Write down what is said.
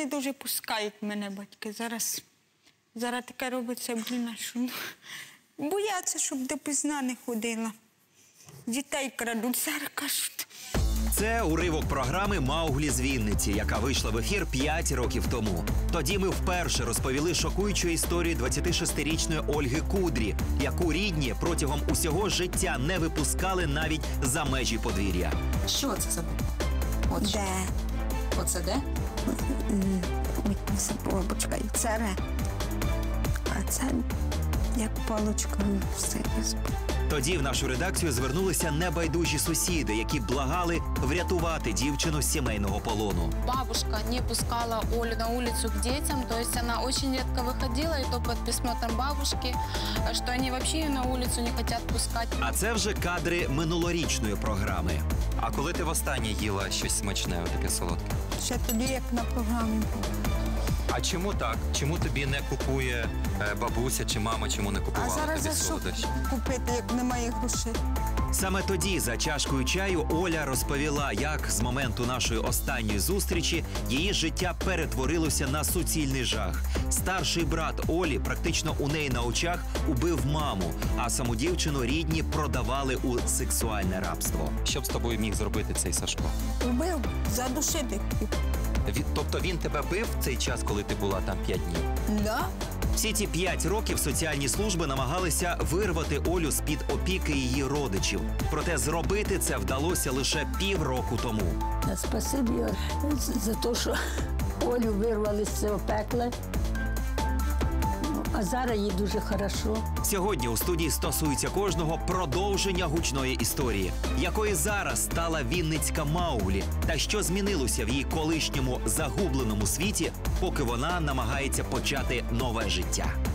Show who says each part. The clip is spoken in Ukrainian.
Speaker 1: не дуже пускають мене батьки. Зараз таке робиться, що бояться, щоб допізна не ходила. Дітей крадуть, зараз кажуть.
Speaker 2: Це уривок програми «Мауглі з Вінниці», яка вийшла в ефір 5 років тому. Тоді ми вперше розповіли шокуючу історію 26-річної Ольги Кудрі, яку рідні протягом усього життя не випускали навіть за межі подвір'я.
Speaker 3: Що це за От
Speaker 1: Де?
Speaker 3: Оце де?
Speaker 1: Ой, це бабочка і царе. А це як палочка все.
Speaker 2: Тоді в нашу редакцію звернулися небайдужі сусіди, які благали врятувати дівчину з сімейного полону.
Speaker 4: Бабушка не пускала Олю на улицу к детям, то есть она очень редко выходила, и то под присмотром бабушки, что они вообще ее на улицу не хотят пускать.
Speaker 2: А це вже кадри минулорічної програми.
Speaker 5: А коли ти востаннє їла щось смачне, таке солодке?
Speaker 1: Ще тоді, як на програмі.
Speaker 5: А чому так? Чому тобі не купує бабуся чи мама, чому не
Speaker 1: А
Speaker 5: купувала
Speaker 1: зараз
Speaker 5: тобі
Speaker 1: за що
Speaker 5: солодощі?
Speaker 1: купити, як немає грошей?
Speaker 2: Саме тоді, за чашкою чаю, Оля розповіла, як з моменту нашої останньої зустрічі її життя перетворилося на суцільний жах. Старший брат Олі практично у неї на очах убив маму, а саму дівчину рідні продавали у сексуальне рабство.
Speaker 5: Що б з тобою міг зробити цей Сашко?
Speaker 1: Убив, задушити хотів.
Speaker 5: Тобто він тебе бив в цей час, коли ти була там 5 днів?
Speaker 1: Да?
Speaker 2: Всі ці 5 років соціальні служби намагалися вирвати Олю з-під опіки її родичів. Проте зробити це вдалося лише півроку тому.
Speaker 6: Спасибі за те, що Олю вирвали з цього пекла. А зараз їй дуже хорошо.
Speaker 2: Сьогодні у студії стосується кожного продовження гучної історії, якою зараз стала вінницька Мауглі, та що змінилося в її колишньому загубленому світі, поки вона намагається почати нове життя.